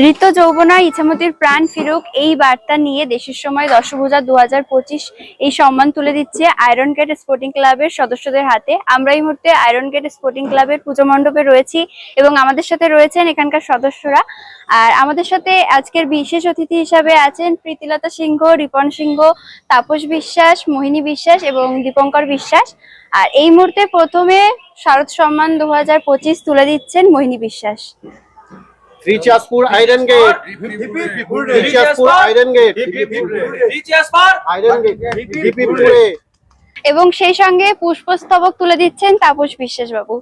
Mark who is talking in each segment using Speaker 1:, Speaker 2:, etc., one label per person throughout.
Speaker 1: ঋত যৌবনা ইছামতির প্রাণ ফিরুক এই বার্তা নিয়ে দেশের সময় দশভূজা 2025 এই সম্মান তুলে দিচ্ছে আয়রন গেট স্পোর্টিং ক্লাবের সদস্যদের হাতে। আমরা এই মুহূর্তে আয়রন গেট স্পোর্টিং ক্লাবের পুজো মণ্ডপে রয়েছি এবং আমাদের সাথে রয়েছেন এখানকার সদস্যরা। আর আমাদের সাথে আজকের বিশেষ অতিথি হিসাবে আছেন প্রীতিলতা সিংহ, রিপন সিংহ, তাপস বিশ্বাস, মোহিনী বিশ্বাস এবং দীপঙ্কর বিশ্বাস। আর এই মুহূর্তে প্রথমে শারদ সম্মান 2025 তুলে দিচ্ছেন মোহিনী বিশ্বাস।
Speaker 2: রিচাসপুর আয়রন গেট, রিচাসপুর আয়রন গেট, রিচাসপুর আয়রন গেট, ডিপিপুরে।
Speaker 1: এবং সেই সঙ্গে পুষ্পস্তবক তুলে দিচ্ছেন তাপস বিশ্বাস বাবু।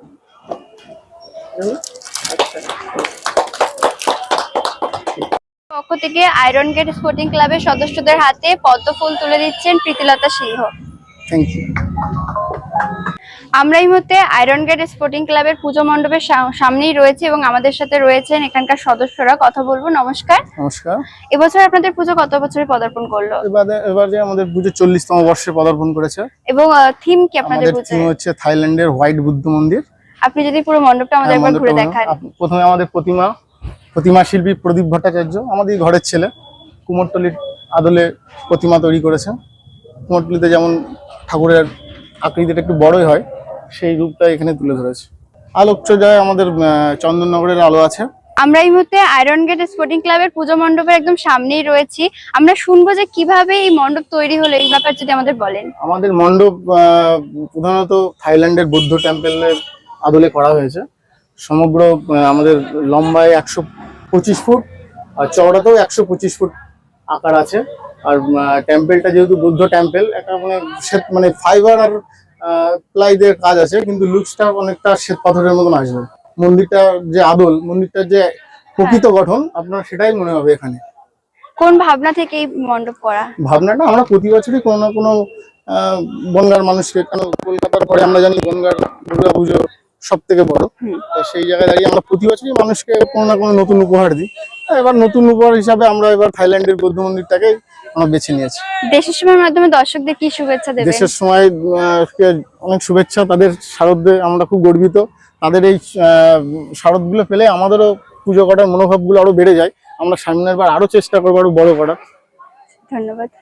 Speaker 1: পক্ষ থেকে আয়রন গেট স্পোর্টিং ক্লাবের সদস্যদের হাতে পদ্মফুল তুলে দিচ্ছেন প্রীতিলতা সিংহ।
Speaker 2: Thank you.
Speaker 1: আমরা এই মুহূর্তে আয়রন গেট স্পোর্টিং ক্লাবের পুজো মণ্ডপের সামনেই রয়েছে এবং আমাদের সাথে রয়েছেন এখানকার সদস্যরা। কথা বলবো। নমস্কার।
Speaker 2: নমস্কার।
Speaker 1: এবছর আপনাদের পুজো কত বছরে পদার্পণ করলো?
Speaker 2: এবারে আমাদের পুজো 40তম বর্ষে পদার্পণ করেছে।
Speaker 1: এবং থিম কি আপনাদের পুজোর?
Speaker 2: থিম হচ্ছে থাইল্যান্ডের হোয়াইট বুদ্ধ মন্দির।
Speaker 1: আপনি যদি পুরো মণ্ডপটা আমাদের একবার ঘুরে দেখান।
Speaker 2: প্রথমে আমাদের প্রতিমা শিল্পী প্রদীপ ভট্টাচার্য আমাদের ঘরের ছেলে কুমোরটুলির আদলে প্রতিমা তৈরি করেছেন। কুমোরটুলিতে যেমন ঠাকুরের আকৃতিটা একটু বড়ই হয়, সেই রূপটা এখানে তুলে ধরেছে। আলোকসজ্জায় আমাদের চন্দননগরের আলো আছে।
Speaker 1: আমরা এই মুহূর্তে আয়রন গেট স্পোর্টিং ক্লাবের পুজো মণ্ডপের একদম সামনেই রয়েছি। আমরা শুনবো যে কিভাবে এই মণ্ডপ তৈরি হলো, এই ব্যাপার যদি আমাদের বলেন।
Speaker 2: আমাদের মণ্ডপ প্রধানত থাইল্যান্ডের বৌদ্ধ টেম্পলের আদলে করা হয়েছে। সমগ্র আমাদের লম্বায় 125 ফুট আর চওড়াতেও 125 ফুট আকার আছে। আর টেম্পলটা যেহেতু বৌদ্ধ টেম্পল, একটা মানে ফাইবার আর প্লাই দিয়ে কাজ আছে, কিন্তু লুকসটা অনেকটা শ্বেত পাথরের মতন আসবে। মন্দিরটার যে আদল, মন্দিরটার যে প্রকৃত গঠন আপনার সেটাই মনে হবে এখানে।
Speaker 1: কোন ভাবনা থেকে এই মণ্ডপ করা?
Speaker 2: ভাবনাটা আমরা প্রতি বছরই কোনো না কোনো বনগাঁর মানুষকে, কারণ কলকাতার পরে আমরা জানি বনগাঁর দুর্গা পুজো সব থেকে বড়, সেই জায়গায় দাঁড়িয়ে আমরা প্রতি বছরই মানুষকে কোনো না কোনো নতুন উপহার দিই। এবার নতুন উপহার হিসাবে আমরা এবার থাইল্যান্ডের বৌদ্ধ মন্দিরটাকে আমরা বেছে নিয়েছি।
Speaker 1: দেশের সময়ের মাধ্যমে দর্শকদের কি শুভেচ্ছা দেবেন?
Speaker 2: দেশের সময় অনেক শুভেচ্ছা। তাদের শারদে আমরা খুব গর্বিত। তাদের এই শারদগুলো পেলে আমাদেরও পুজো করার মনোভাবগুলো আরো বেড়ে যায়। আমরা সামনের বার আরো চেষ্টা করবো আরো বড় করার।
Speaker 1: ধন্যবাদ।